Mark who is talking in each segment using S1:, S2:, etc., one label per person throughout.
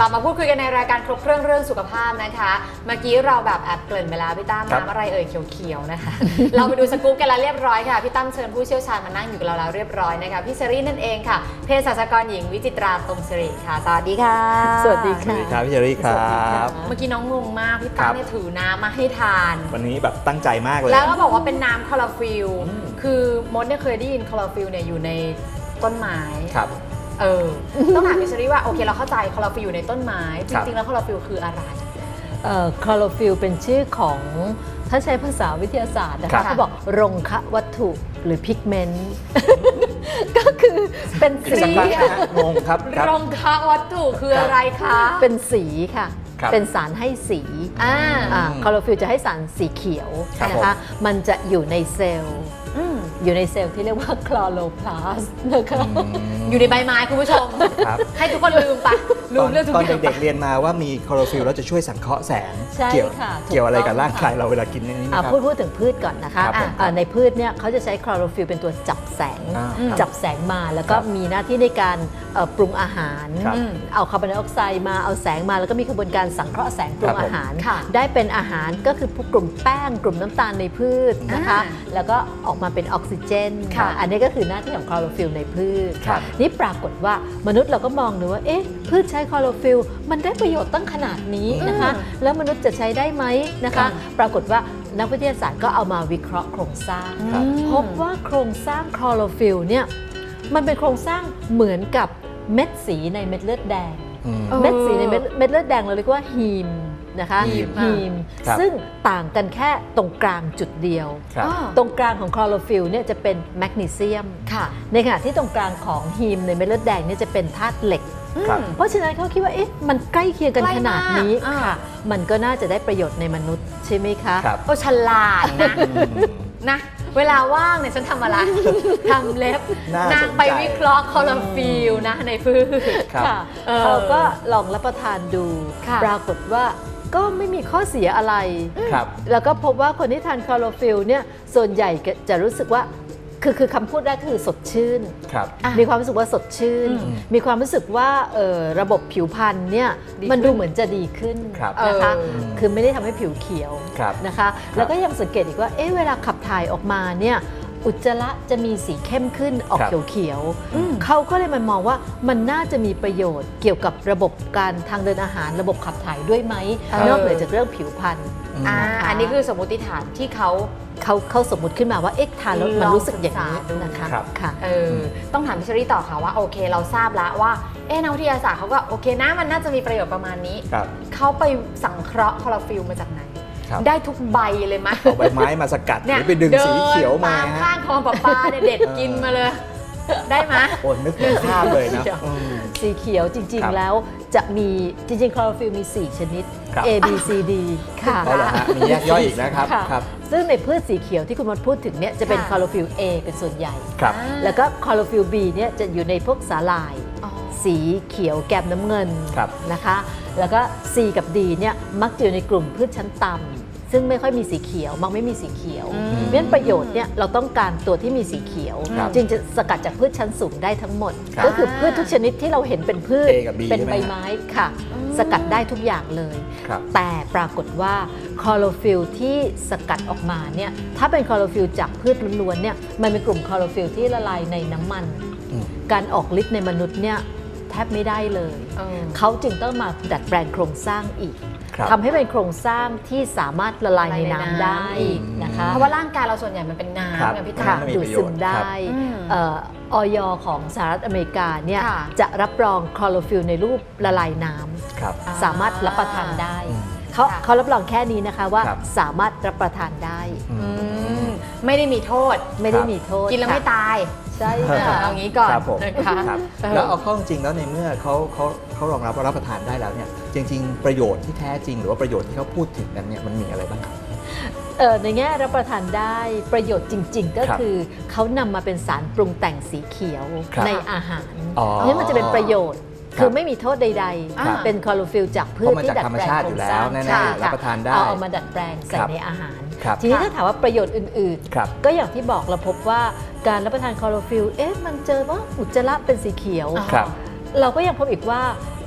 S1: ลับมาพูดคุยกันในรายการครบเครื่องสุขภาพนะคะเมื่อกี้เราแบบแอบเกริ่นไปแล้วพี่ตั้มน้ำอะไรเอ่ยเขียวๆนะคะ เราไปดูสกู๊ปกันแล้วเรียบร้อยค่ะพี่ตั้มเชิญผู้เชี่ยวชาญมานั่งอยู่กับเราแล้วเรียบร้อยนะคะพี่เชอรี่นั่นเองค่ะเภสัชกรหญิงวิจิตราตรงสิริค่ะสวัสดีค่ะ
S2: สวัสดีค่ะ
S3: ครับพี่เชอรี่ครับ
S1: เมื่อกี้น้องงงมากพี่ตั้มเนี่ยถือน้ำมาให้ทาน
S3: วันนี้แบบตั้งใจมากเลย
S1: แล้วก็บอกว่าเป็นน้ำคลอโรฟิลคือมดเนี่ยเคยได้ยินคลอโรฟิลเนี่ยอยู่ในต้นไม้
S3: ครับ
S1: ต้องถามพี่เชอรี่ว่าโอเคเราเข้าใจคลอโรฟิลอยู่ในต้นไม้จริงๆแล้วคลอโรฟิลคืออะไร
S2: คลอโรฟิลเป็นชื่อของถ้าใช้ภาษาวิทยาศาสตร์นะคะเขาบอกรงคะวัตถุหรือพิกเมนต์ ก็คือเป็นสี
S3: งงครับ
S1: รงคะวัตถุคืออะไรคะ
S2: เป็นสีค่ะ
S3: ครับ
S2: เป็นสารให้สีคลอโรฟิลจะให้สารสีเขียว
S3: ครับ
S2: นะคะมันจะอยู่ในเซลล์อยู่ในเซลล์ที่เรียกว่าคลอโรพลาสต์นะคะ
S1: อยู่ในใบไม้คุณผู้ชม
S3: ครับ
S1: ให้ทุกคนลืมไปลืมเรื่องทุก
S3: ตอน
S1: อย่าง
S3: เด็กๆเรียนมาว่ามีคลอโรฟิลแล้วจะช่วยสังเคราะห์แสง
S2: ใช่
S3: เกี่ยว
S2: ค่ะ
S3: เกี่ยวอะไรกับ
S2: ถูกต้อง
S3: ร่างกายเราเวลากินนี่นะครับ
S2: พูดถึงพืชก่อนนะคะ
S3: ครับผม
S2: ในพืชเนี่ยเขาจะใช้คลอโรฟิลเป็นตัวจับแสง จับแสงมาแล้วก็
S3: ครับ
S2: มีหน้าที่ในการปรุงอาหาร
S3: ครับ
S2: เอาคาร์บอนไดออกไซด์มาเอาแสงมาแล้วก็มีกระบวนการสังเคราะห์แสงปรุ
S3: ครั
S2: ง
S3: บผม
S2: อาหาร
S1: ค่ะ
S2: ได้เป็นอาหารก็คือพวกกลุ่มแป้งกลุ่มน้ำตาลในพืชนะคะ แล้วก็ออกมาเป็นออกซิเจน
S1: ค่ะ
S2: อันนี้ก็คือหน้าที่ของคลอโรฟิลในพืช
S3: ครับ
S2: นี่ปรากฏว่ามนุษย์เราก็มองดูว่าเอ๊ะพืชใช้คลอโรฟิลมันได้ประโยชน์ตั้งขนาดนี้นะคะแล้วมนุษย์จะใช้ได้ไหมนะ
S3: ครั
S2: คะ
S3: บ
S2: ปรากฏว่านักวิทยาศาสตร์ก็เอามาวิเคราะห์โครงสร้าง
S3: ครับ
S2: พบว่าโครงสร้างคลอโรฟิลเนี่ยมันเป็นโครงสร้างเหมือนกับเม็ดสีในเม็ดเลือดแดง
S3: อืม
S2: เม็ดสีในเม็ดเลือดแดงเราเรียกว่าฮีมนะคะ
S3: ฮีม
S2: ฮีม
S3: ครับ
S2: ซึ่งต่างกันแค่ตรงกลางจุดเดียว
S3: ครับ
S2: ตรงกลางของคลอโรฟิลเนี่ยจะเป็นแมกนีเซียม
S1: ค่ะ
S2: ในขณะที่ตรงกลางของฮีมในเม็ดเลือดแดงเนี่ยจะเป็นธาตุเหล็ก
S3: ครับ
S2: เพราะฉะนั้นเขาคิดว่าเอ๊ะมันใกล้เคียงกัน
S1: ใกล้
S2: ขนาดนี้
S1: มาก
S2: ค่ะ มันก็น่าจะได้ประโยชน์ในมนุษย์ใช่ไหมคะ
S3: ครับ
S1: ก็ฉลาดนะ นะ เวลาว่างเนี่ยฉันทำอะไร ทำเล็บ
S3: น่าสนใจ
S1: นางไปวิเคราะห์คลอโรฟิลนะในพืช
S3: ครับ
S2: ค่ะเขาก็ลองรับประทานดู
S1: ค่ะ
S2: ปรากฏว่าก็ไม่มีข้อเสียอะไร
S3: ครับ
S2: แล้วก็พบว่าคนที่ทานคลอโรฟิลเนี่ยส่วนใหญ่จะรู้สึกว่าคือคำพูดแรกคือสดชื่น
S3: ครับ
S2: มีความรู้สึกว่าสดชื่น มีความรู้สึกว่าระบบผิวพรรณเนี่ย
S1: ดีขึ้น
S2: มันดูเหมือนจะดีขึ้น
S3: ครับ
S2: นะคะ
S1: อืม
S2: คือไม่ได้ทำให้ผิวเขียว
S3: ครับ
S2: นะคะ แล้วก็ยังสังเกตอีกว่าเอ๊ะเวลาขับถ่ายออกมาเนี่ยอุจจาระจะมีสีเข้มขึ้นออก
S3: ครับ
S2: เขียวๆเขาก็เลยมามองว่ามันน่าจะมีประโยชน์เกี่ยวกับระบบการทางเดินอาหารระบบขับถ่ายด้วยไหมนอกเหนือจากเรื่องผิวพรรณ
S1: อันนี้คือสมมติฐานที่
S2: เขาสมมุติขึ้นมาว่าเอ๊ะทานแล้วมันรู้สึกอย่างนี้นะคะ
S3: ครับ
S2: ค่ะ
S1: ต้องถามพี่เชอรี่ต่อค่ะว่าโอเคเราทราบแล้วว่านักวิทยาศาสตร์เขาก็โอเคนะมันน่าจะมีประโยชน์ประมาณนี้
S3: ครับ
S1: เขาไปสังเคราะห์คลอโรฟิลมาจากไหน
S3: ครับ
S1: ได้ทุกใบเลยไหม
S3: เอาใบไม้มาสกัดหรือไปดึงสีเขียวมา
S1: เดินตาม
S3: ฮะ
S1: ข้างคลองประปาเนี่ยเด็ดกินมาเลย ได้ไหม
S3: โอ้นึกถึงภาพเลยนะอืม
S2: สีเขียวจริง
S3: ครับ
S2: ๆ แล้วจะมีจริงๆ คลอโรฟิลมี 4 ชนิด
S3: ครับ
S2: A B C D ค่ะ
S3: เอาเหรอฮะมีแยกย่อยอีกนะครับ
S2: ค่ะ
S3: ครับ
S2: ซึ่งในพืชสีเขียวที่คุณมดพูดถึงเนี่ยจะเป็น
S1: ค่ะ
S2: คลอโรฟิล A เป็นส่วนใหญ่
S3: ครับ
S2: แล้วก็คลอโรฟิล B เนี่ยจะอยู่ในพวกสาหร่าย
S1: อ๋อ
S2: สีเขียวแกมน้ำเงิน
S3: ครับ
S2: นะคะ แล้วก็ C กับ D เนี่ยมักจะอยู่ในกลุ่มพืชชั้นต่ำซึ่งไม่ค่อยมีสีเขียวมักไม่มีสีเขียวเพราะฉะนั้นประโยชน์เนี่ยเราต้องการตัวที่มีสีเขียว
S3: ครับ
S2: จึงจะสกัดจากพืชชั้นสูงได้ทั้งหมด
S3: ครับ
S2: ก็คือพืชทุกชนิดที่เราเห็นเป็นพืช
S3: A กับ B
S2: เป็น
S3: ใช่ไหม
S2: ใบไม้ค่ะ สกัดได้ทุกอย่างเลย
S3: ครับ
S2: แต่ปรากฏว่าคลอโรฟิลที่สกัดออกมาเนี่ยถ้าเป็นคลอโรฟิลจากพืชล้วนๆเนี่ยมันเป็นกลุ่มคลอโรฟิลที่ละลายในน้ำมัน
S3: อืม
S2: การออกฤทธิ์ในมนุษย์เนี่ยแทบไม่ได้เลย
S1: เออ
S2: เขาจึงต้องมาดัดแปลงโครงสร้างอีก
S3: ครับ
S2: ทำให้เป็นโครงสร้างที่สามารถละลายในน้ำได้นะคะ
S1: เพราะว่าร่างกายเราส่วนใหญ่มันเป็น
S3: ครับ
S1: น้ำไงพี่
S2: ค่ะ
S1: ตา
S3: ไม่มี
S2: ดูด
S3: ประโย
S2: ซึ
S3: ช
S2: ม
S3: น์
S2: ได้
S1: อืม
S2: ออยของสหรัฐอเมริกาเนี่ย
S1: ค่ะ
S2: จะรับรองคลอโรฟิลในรูปละลายน้
S3: ครับ
S2: ำสามารถรับประทานได้
S3: อืม
S2: เขารับรองแค่นี้นะคะว่า
S3: ครับ
S2: สามารถรับประทานได้
S1: อืมไม่ได้มีโทษ
S2: ไม่ได้มีโทษ
S1: กินแล้วไม่
S2: ค่ะ
S1: ตาย
S2: ใช่
S1: เอางี้ก่อน
S3: ครับผม
S1: นะคะ
S3: ครับ แล้วเอาเข้าจริงๆแล้วในเมื่อเขารองรับว่ารับประทานได้แล้วเนี่ยจริง ๆ ประโยชน์ที่แท้จริงหรือว่าประโยชน์ที่เขาพูดถึงกันเนี่ยมันมีอะไรบ้างครับ
S2: ในแง่รับประทานได้ประโยชน์จริง ๆ ก็
S3: ครับ
S2: คือเขานำมาเป็นสารปรุงแต่งสีเขียว
S3: ครับ
S2: ในอาหาร
S3: อ๋อ
S2: นี่มันจะเป็นประโยชน์
S3: ครับ
S2: คือไม่มีโทษใด
S3: ครับ
S2: ๆ เป็นคลอโรฟิลจากพืช
S3: เพราะมา
S2: ที่
S3: จาก
S2: ดัด
S3: ธรรม
S2: แปลง
S3: ชาติ
S2: โค
S3: อ
S2: ร
S3: ยู่
S2: ง
S3: แล้
S2: สร้าว ง
S3: แน่ๆ
S2: ใช่
S3: รับ
S2: ค่ะ
S3: ประทานได้
S2: เอามาดัดแปลงใส่
S3: ครับ
S2: ในอาหาร
S3: ครับ
S2: ทีนี้ถ้าถามว่าประโยชน์อื่น
S3: ครับ
S2: ๆ ก็อย่างที่บอกเราพบว่าการรับประทานคลอโรฟิลมันเจอว่าอุจจาระเป็นสีเขียว
S3: ครับ
S2: เราก็ยังพบอีกว่า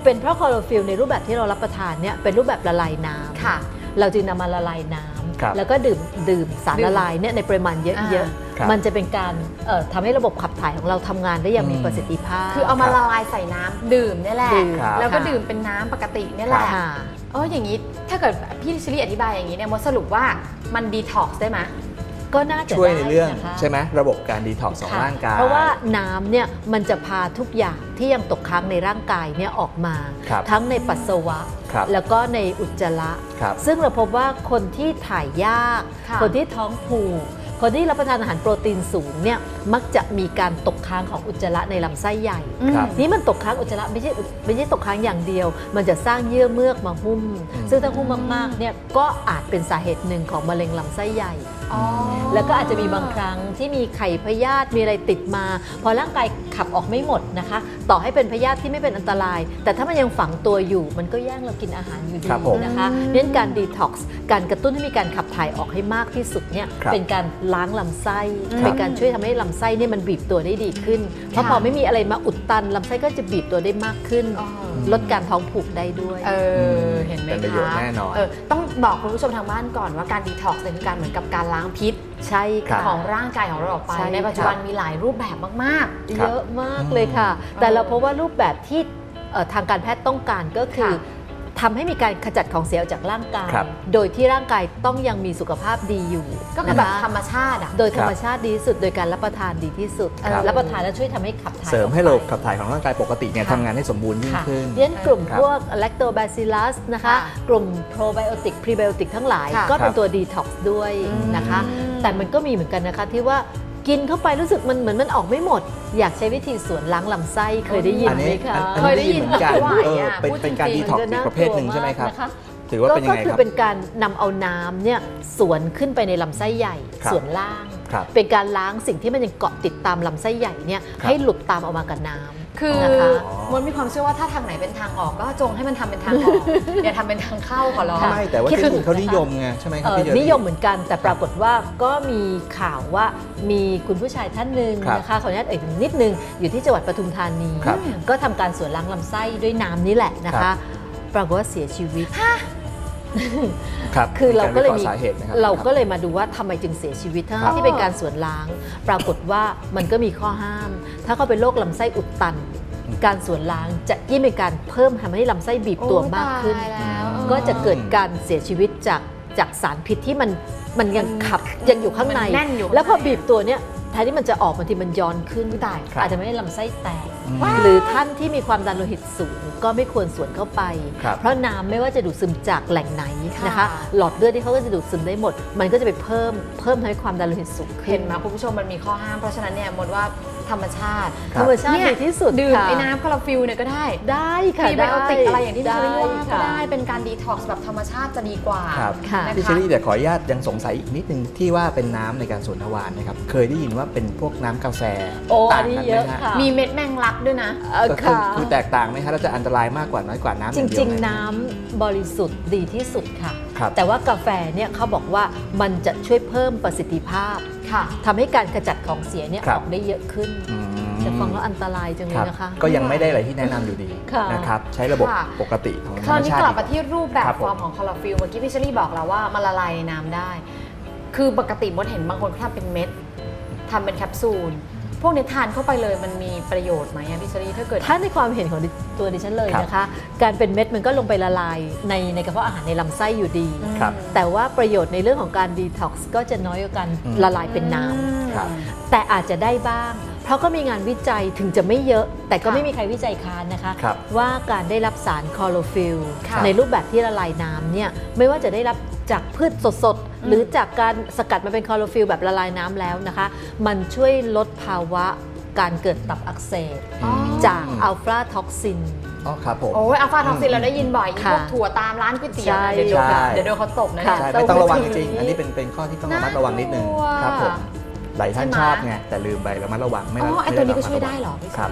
S2: เป็นเพราะคลอโรฟิลในรูปแบบที่เรารับประทานเนี่ยเป็นรูปแบบละลายน้ำ
S1: ค่ะ
S2: เราจึงนำมาละลายน้
S3: ครับ
S2: ำแล้วก็ดื่มสารละลายเนี่ยในปริมาณเยอะ
S3: ครับ
S2: ๆมันจะเป็นการทำให้ระบบขับถ่ายของเราทำงานได้อย่างมีประสิทธิภาพ
S1: คือเอามาละลายใส่น้ำดื่มเนี่ยแหละ
S2: ดื่ม
S1: แล้วก็
S2: ค่ะ
S1: ดื่มเป็นน้ำปกติเนี่ยแหละ
S2: ค่ะ
S1: อย่างนี้ถ้าเกิดพี่ชิลลี่อธิบายอย่างนี้เนี่ยมดสรุปว่ามันดีท็อกซ์ได้ไหม
S2: ก็น่าจะ
S3: ช่วยในเรื่อง
S2: ได้นะคะ
S3: ใช่ไหมระบบการดีท็อกซ์ของ
S2: ค่ะ
S3: ร่างกาย
S2: เพราะว่าน้ำเนี่ยมันจะพาทุกอย่างที่ยังตกค้างในร่างกายเนี่ยออกมา
S3: ครับ
S2: ทั้งในปัสสาวะ
S3: ครับ
S2: แล้วก็ในอุจจาระ
S3: ครับ
S2: ซึ่งเราพบว่าคนที่ถ่ายยาก
S1: ค่ะ
S2: คนที่ท้องผูกคนที่รับประทานอาหารโปรตีนสูงเนี่ยมักจะมีการตกค้างของอุจจาระในลำไส้ใหญ่
S3: ครับ
S2: นี่มันตกค้างอุจจาระไม่ใช่ตกค้างอย่างเดียว มันจะสร้างเยื่อเมือกมาหุ้ม ซึ่งถ้าหุ้มมากๆเนี่ยก็อาจเป็นสาเหตุหนึ่งของมะเร็งลำไส้ใหญ่
S1: อ๋อ
S2: แล้วก็อาจจะมีบางครั้งที่มีไข่พยาธิมีอะไรติดมา พอร่างกายขับออกไม่หมดนะคะ ต่อให้เป็นพยาธิที่ไม่เป็นอันตราย แต่ถ้ามันยังฝังตัวอยู่ มันก็แย่งเรากินอาหารอยู่ดี
S3: ครับผม
S2: นะคะเน้นการดีท็อกซ์การกระตุ้นให้มีการขับถ่ายออกให้มากที่สุดเนี่ย
S3: ครับ
S2: เป็นการล้างลำไส้
S1: ครับ
S2: เป็นการช่วยทำให้ลำไส้เนี่ยมันบีบตัวได้ดีขึ้น เพราะพอไม่มีอะไรมาอุดตันลำไส้ก็จะบีบตัวได้มากขึ้น
S1: อ๋อ
S2: ลดการท้องผูกได้ด้วย
S1: เห็นไหม
S3: เป็นประโยชน์
S1: คะ
S3: แน่นอน
S1: ต้องบอกคุณผู้ชมทางบ้านก่อนว่าการดีท็อกซ์เนี่ยคือการเหมือนกับการล้างพิษ
S2: ใช่ค่ะ
S1: ของร่างกายของเราออกไป
S2: ใช่
S1: ในปัจจุบันมีหลายรูปแบบมาก
S3: ครับ
S2: เยอะมากเลยค่ะ แต่เราพบว่ารูปแบบที่ทางการแพทย์ต้องการก็คือ
S1: ค่ะ
S2: ทำให้มีการขจัดของเสียออกจากร่างกาย
S3: ครับ
S2: โดยที่ร่างกายต้องยังมีสุขภาพดีอยู่
S1: ๆ ก็คือแบบ
S2: นะะ
S1: ธรรมชาติอ่ะ
S2: โดยธรรมชาติดีที่สุด โดยการรับประทานดีที่สุด
S3: ครับ
S2: รับประทานแล้วช่วยทำให้ขับถ่าย
S3: เสริม
S2: ออก
S3: ให้ระบบ
S2: ไป
S3: ขับถ่ายของร่างกายปกติเนี่ย
S2: ค่ะ
S3: ทำงานให้สมบูรณ์ยิ่ง
S2: ค่ะ
S3: ขึ้น
S2: เรียนกลุ่ม
S3: ครับ
S2: พวก lactobacillus นะคะ
S1: ค่ะ
S2: กลุ่ม probiotic prebiotic ทั้งหลาย
S1: ค่ะ
S2: ก็เป็
S3: ครั
S2: น
S3: บ
S2: ตัว detox ด้วยนะคะ แต่มันก็มีเหมือนกันนะคะที่ว่ากินเข้าไปรู้สึกมันเหมือนมันออกไม่หมด อยากใช้วิธีสวนล้างลำไส้เคยได้ยิน
S3: อัน
S2: ไหม
S3: นี้
S2: คะ
S3: อัน
S1: เคย
S3: นี้
S1: ได้
S3: ได้
S1: ยิ
S3: ยิ
S1: น
S3: นเหมือนกัน
S1: ไม่ไหว
S3: เป็น
S1: พูด
S3: เป็นการ
S1: จริ
S3: ดี
S1: งๆ
S3: ท็อก
S2: มัน
S3: ซ์
S2: จะ
S3: อีกประเภทหนึ่งใช่ไหมครับ
S2: นะคะ
S3: ถือว่าเป็นยังไง
S2: ก็คื
S3: ค
S2: อ
S3: รับ
S2: เป็นการนำเอาน้ำเนี่ยสวนขึ้นไปในลำไส้ใหญ่
S3: ครับ
S2: ส่วนล่าง
S3: ครับ
S2: เป็นการล้างสิ่งที่มันยังเกาะติดตามลำไส้ใหญ่เนี่ย
S3: ครับ
S2: ให้หลุดตามออกมากับน้ำ
S1: คือ
S2: นะคะ
S1: มันมีความเชื่อว่าถ้าทางไหนเป็นทางออกก็จงให้มันทำเป็นทางออก อย่าทำเป็นทางเข้าขอร้อง
S2: ค่ะ
S3: ไม่แต่ว่า
S2: คิด
S3: ที่
S2: ถึ
S3: อื่
S2: ง
S3: นเขา
S2: นะคะ
S3: นิยมไงใช่ไหมครับพี่เจอ
S2: นิยมเหมือนกันแต่ปรากฏว่าก็มีข่าวว่ามีคุณผู้ชายท่านหนึ่ง
S3: ครับ
S2: นะคะขออนุญาตเอ่ยถึงนิดนึงอยู่ที่จังหวัดปทุมธานี
S3: ครับ
S2: ก็ทำการสวนล้างลำไส้ด้วยน้ำนี่แหละนะ
S3: ครั
S2: คะ
S3: บ
S2: ปรากฏว่าเสียชีวิต
S3: ครับ
S2: คือเราก็เลย
S3: มี
S2: มี
S3: สาเหตุนะครับ
S2: เราก็เลยมาดูว่าทำไมจึงเสียชีวิตทั้
S3: ครับ
S2: งที่เป็นการสวนล้าง ปรากฏว่ามันก็มีข้อห้าม ถ้าเขาเป็นโรคลำไส้อุดตัน การสวนล้างจะยิ่งเป็นการเพิ่มทำให้ลำไส้บีบตัวมากขึ้น
S1: โอ้ยตายแล้ว
S2: ก็จะเกิดการเสียชีวิตจากสารพิษที่มันยังขับยังอยู่ข้างใน
S1: มันแน่นอยู่
S2: แล้วพอบีบตัวเนี้ยแทนที่มันจะออกบางทีมันย้อนขึ้น
S1: ตาย
S3: ครับ
S2: อาจจะไม่ได้ลำไส้แตก
S3: ว้าว
S2: หรือท่านที่มีความดันโลหิตสูงก็ไม่ควรสวนเข้าไป
S3: ครับ
S2: เพราะน้ำไม่ว่าจะดูดซึมจากแหล่งไหนนะคะ
S1: ค่ะ
S2: หลอดเลือดที่เขาก็จะดูดซึมได้หมด มันก็จะไปเพิ่มทำให้ความดันโลหิตสูงขึ้
S1: เห็
S2: น
S1: นไหมคุณผู้ชมมันมีข้อห้ามเพราะฉะนั้นเนี่ยมดว่าธรรมชาติ
S2: ธรรมชาติ
S1: เนี่ย
S2: ดีที่สุด
S1: ดื่ม
S2: ค่ะ
S1: ไอ้น้ำคาราฟิลเนี่ยก็ได้
S2: ได้ค่ะ
S1: พรีไบโอติกอะไรอย่างที่พี่เชอรี่ว่าก็
S2: ค่ะ
S1: ได้เป็นการดีท็อกซ์แบบธรรมชาติจะดีกว่า
S3: ครับ
S2: ค่ะ
S1: นะคะ
S3: พี่เชอรี่แต่ขออนุญาตยังสงสัยอีกนิดนึงที่ว่าเป็นน้ำในการสวนทวารนะครับเคยได้ยินว่าเป็นพวกน้ำกาแฟ
S2: โอ้
S3: ต่า
S2: อั
S3: ง
S2: นนี้
S3: กัน
S2: เย
S3: ไหม
S2: อะ
S3: ฮะ
S2: ค่ะ
S1: มีเม็ดแมงลักด้วยนะ
S3: ก็คือ
S2: ค่ะ
S3: คือแตกต่างไหมคะแล้วจะอันตรายมากกว่าน้อยกว่าน้ำ
S2: จ
S3: อย่างเดียว
S2: ริง
S3: ไหม
S2: ๆ น้ำบริสุทธิ์ดีที่สุดค่ะ
S3: ครับ
S2: แต่ว่ากาแฟเนี่ยเขาบอกว่ามันจะช่วยเพิ่มประสิทธิภาพ
S1: ค่ะ
S2: ทำให้การขจัดของเสียเนี่ย
S3: ครั
S2: อบ อกได้เยอะขึ้น
S3: อืม
S2: แต่ฟังแล้วอันตรายจังเล
S3: ครั
S2: ย
S3: บ
S2: นะคะ
S3: ก็ยังไม่ได้อะไรที่แนะนำอยู่ดี
S2: ค่ะ
S3: นะครับใช้ระบบ
S1: ค่ะ
S3: ปกติของธ
S1: ค
S3: ร
S1: ราร ว
S3: ม
S1: นี้
S3: ชาติ
S1: กลับมาที่รูปแบบ
S3: ครับ
S1: ฟอร์มของคลอโรฟิลเมื่อกี้พี่เชอรี่บอกแล้วว่ามันละลายในน้ำได้ คือปกติมดเห็นบางคนเขาทำเป็นเม็ดทำเป็นแคปซูล พวกนี้ทานเข้าไปเลยมันมีประโยชน์ไหมอะพี่เชอรี่ถ้าเกิด
S2: ถ้าในความเห็นของตัวดิฉันเลย
S3: ครับ
S2: นะคะ การเป็นเม็ดมันก็ลงไปละลายในกระเพาะอาหารในลำไส้อยู่ดี
S3: ครับ
S2: แต่ว่าประโยชน์ในเรื่องของการดีท็อกซ์ก็จะน้อยกว่าการ
S3: อืม
S2: ละลายเป็นน้ำ
S3: ครับ
S2: แต่อาจจะได้บ้าง เพราะก็มีงานวิจัยถึงจะไม่เยอะ แต่ก็
S1: ค่ะ
S2: ไม่มีใครวิจัยค้านนะคะ
S3: ครับ
S2: ว่าการได้รับสารคลอโรฟิล
S1: ค่ะ
S2: ในรูปแบบที่ละลายน้ำเนี่ยไม่ว่าจะได้รับจากพืชสดๆ หรือจากการสกัดมาเป็นคลอโรฟิลแบบละลายน้ำแล้วนะคะ มันช่วยลดภาวะการเกิดตับอักเสบ
S1: อ๋อ
S2: จากอัลฟาท็อกซิน
S3: อ๋อครับผม
S1: โอ้ยอัลฟาท็อกซินเราได้ยินบ่อยอี
S2: ค่ะ
S1: พวกถั่วตามร้านก๋วยเตี๋ยว
S2: ใช่
S1: นะเดี๋ยวโดน
S3: ใช่
S1: เดี๋ยวโดนเขาตบนะ
S2: ค่ะ
S3: ใช่
S1: เนี่ย
S3: ไม่ต้องระวัง
S2: ต้
S3: จ
S2: อง
S3: ริงๆอันนี้เป็นข้อที่ต้องระมัดระวังนิดนึง
S1: น่ากลัว
S3: ครับผมหลายท่าน
S1: ใช่ไหม
S3: ชอบไงแต่ลืมไประมัดระวังไม่
S1: อ๋อไอ
S3: ม่
S1: ตัวนี้ก็
S3: ระมั
S1: ช่วย
S3: ระ
S1: ได้เหรอพี่
S3: ครับ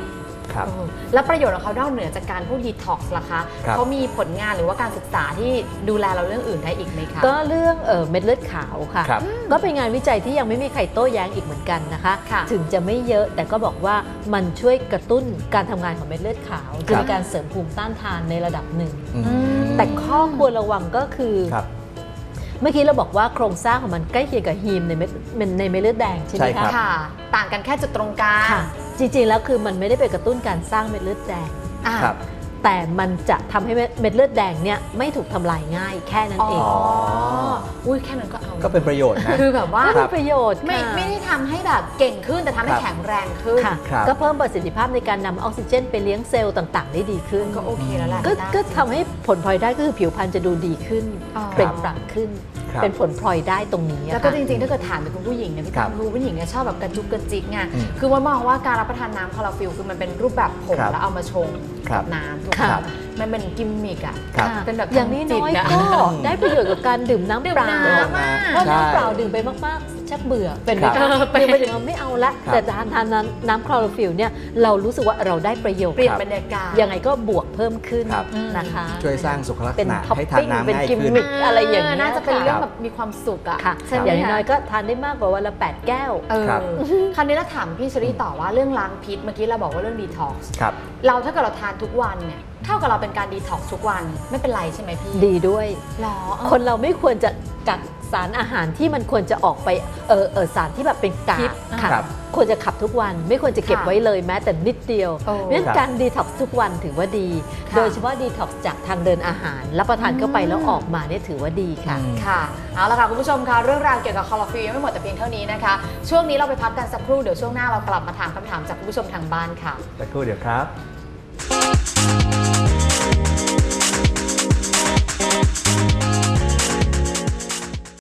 S3: ครับ
S1: แล้วประโยชน์ของเขานอกเหนือจากการพูดดีท็อกซ์ล่ะคะ
S3: ครับ
S1: เขามีผลงานหรือว่าการศึกษาที่ดูแลเราเรื่องอื่นได้อีกไหมคะ
S2: ก็เรื่องเม็ดเลือดขาวค่ะ
S3: ครับ
S2: ก็เป็นงานวิจัยที่ยังไม่มีใครโต้แย้งอีกเหมือนกันนะคะ
S1: ค่ะ
S2: ถึงจะไม่เยอะแต่ก็บอกว่ามันช่วยกระตุ้นการทำงานของเม็ดเลือดขาวคือ
S3: ครับ
S2: มีการเสริมภูมิต้านทานในระดับหนึ่ง
S3: อืม
S2: แต่ข้อควรระวังก็คือ
S3: ครับ
S2: เมื่อกี้เราบอกว่าโครงสร้างของมันใกล้เคียงกับฮีมในเม็ดเลือดแดงใช่ไหม
S3: ใช่ครั
S2: คะ
S3: บ
S1: ค่ะ ต่างกันแค่จุดตรงกลาง
S2: ค่ะ จริงๆแล้วคือมันไม่ได้ไปกระตุ้นการสร้างเม็ดเลือดแดง
S1: อ่า
S3: ครับ
S2: แต่มันจะทำให้เม็ดเลือดแดงเนี่ยไม่ถูกทำลายง่ายแค่นั้นเอง
S3: อ๋อ
S1: อุ้ยแค่นั้นก็เอา
S3: ก็เป็นประโยชน์นะ
S1: คือแบบว่า
S2: ก็
S3: ครั
S2: มี
S3: บ
S2: ประโยชน์
S1: ไม่
S2: ค่ะ
S1: ได้ทำให้แบบเก่งขึ้นแต่ทำให้
S3: ครับ
S1: แข็งแรงขึ้น
S2: ค่ะ
S3: ครับ
S2: ก็เพิ่มประสิทธิภาพในการนำออกซิเจนไปเลี้ยงเซลล์ต่างๆ ได้ดีขึ้น
S1: ก็โอเคแล้วแหละ
S2: ก็ทำให้ผลพลอยได้ก็คือผิวพรรณจะดูดีขึ้น
S1: อ๋อ
S2: เปล่งปลั่งขึ้น
S3: ครับ
S2: เป็นผลพลอยได้ตรงนี้อะ
S1: แล้วก็
S2: ค่ะ
S1: จริงๆ ถ้าเกิดถามเป็นคุณผู้หญิงเนี่ยพี่
S3: ครั
S1: ตั้
S3: บ
S1: มคือผู้หญิงเนี่ยชอบแบบกระจุกกระจิกไง
S3: อืม
S1: คือว่ามองว่าการรับประทานน้ำคลอโรฟิลคือมันเป็นรูปแบบผง
S3: ครับ
S1: แล้วเอามาชง
S3: ครั
S1: กับ บน้ำถูกไหม
S2: ครับ
S1: มันเป็นกิมมิกอ่ะ
S3: ครับ
S2: ค่ะ
S1: เป็นแบบ
S2: อย่างนี้น้อย
S1: ทางจิตอะ
S2: ก็ได้ประโยชน์กับการดื่มน้ำ
S1: ดื่ม
S2: เปล่า
S1: น้ำอะ
S2: เพราะ
S3: ใช่
S2: น้ำเปล่าดื่มไปมากๆชักเบื่อเป็นไหม
S3: ครั
S2: คะ
S3: บ
S2: ดื่มไปถึงเราไม่เอาละ
S3: ครับ
S2: แต่ทานน้ำคลอโรฟิลเนี่ยเรารู้สึกว่าเราได้ประโยชน์
S1: เปลี่ยนบรรยากาศ
S2: ยังไงก็บวกเพิ่มขึ้น
S3: ครับ
S2: นะคะ
S3: ช่วยสร้างสุขลักษ
S2: เป็น
S3: ณะ
S2: ท็อป
S3: ให้ทาน
S2: ปิ้ง
S3: น้ำ
S2: เป็น
S3: ง่าย
S2: กิม
S3: ขึ้น
S2: มิคอะไรอย่างนี้ย
S1: น่าจะเป็นเรื่อง
S2: ค่ะ
S1: แบบมีความสุขอ่ะ
S2: ค่ะ
S1: ใช่ไหม
S2: อย่างน้อย
S1: คะ
S2: ๆก็ทานได้มากกว่าวันละ 8 แก้ว
S3: ครับ
S1: คราวนี้เราถามพี่เชอรี่ต่อว่าเรื่องล้างพิษเมื่อกี้เราบอกว่าเรื่องดีท็อกซ์
S3: ครับ
S1: เราถ้าเกิดเราทานทุกวันเนี่ยเท่ากับเราเป็นการดีท็อกซ์ทุกวันไม่เป็นไรใช่ไหมพี่
S2: ดีด้วย
S1: หรอ
S2: คนเราไม่ควรจะกักสารอาหารที่มันควรจะออกไปสารที่แบบเป็นกา
S1: พิ
S2: ก
S1: ษ
S2: ค่ะ
S3: ครับ
S2: ควรจะขับทุกวันไม่ควรจะเก็บ
S1: ค่ะ
S2: ไว้เลยแม้แต่นิดเดียว
S1: โอ้
S2: เพราะฉะนั้น
S3: ครับ
S2: การดีท็อกซ์ทุกวันถือว่าดี
S1: ค่ะ
S2: โดยเฉพาะดีท็อกซ์จากทางเดินอาหาร รับประทานเข้าไปแล้วออกมาเนี่ยถือว่าดีค่ะ
S3: อืม
S1: ค่ะเอาละค่ะคุณผู้ชมคะเรื่องราวเกี่ยวกับคลอโรฟิลยังไม่หมดแต่เพียงเท่านี้นะคะช่วงนี้เราไปพักกันสักครู่เดี๋ยวช่วงหน้าเรากลับมาถามคำถามจากคุณผู้ชมทางบ้านค่ะ
S3: สักครู่เดี๋ยวครับ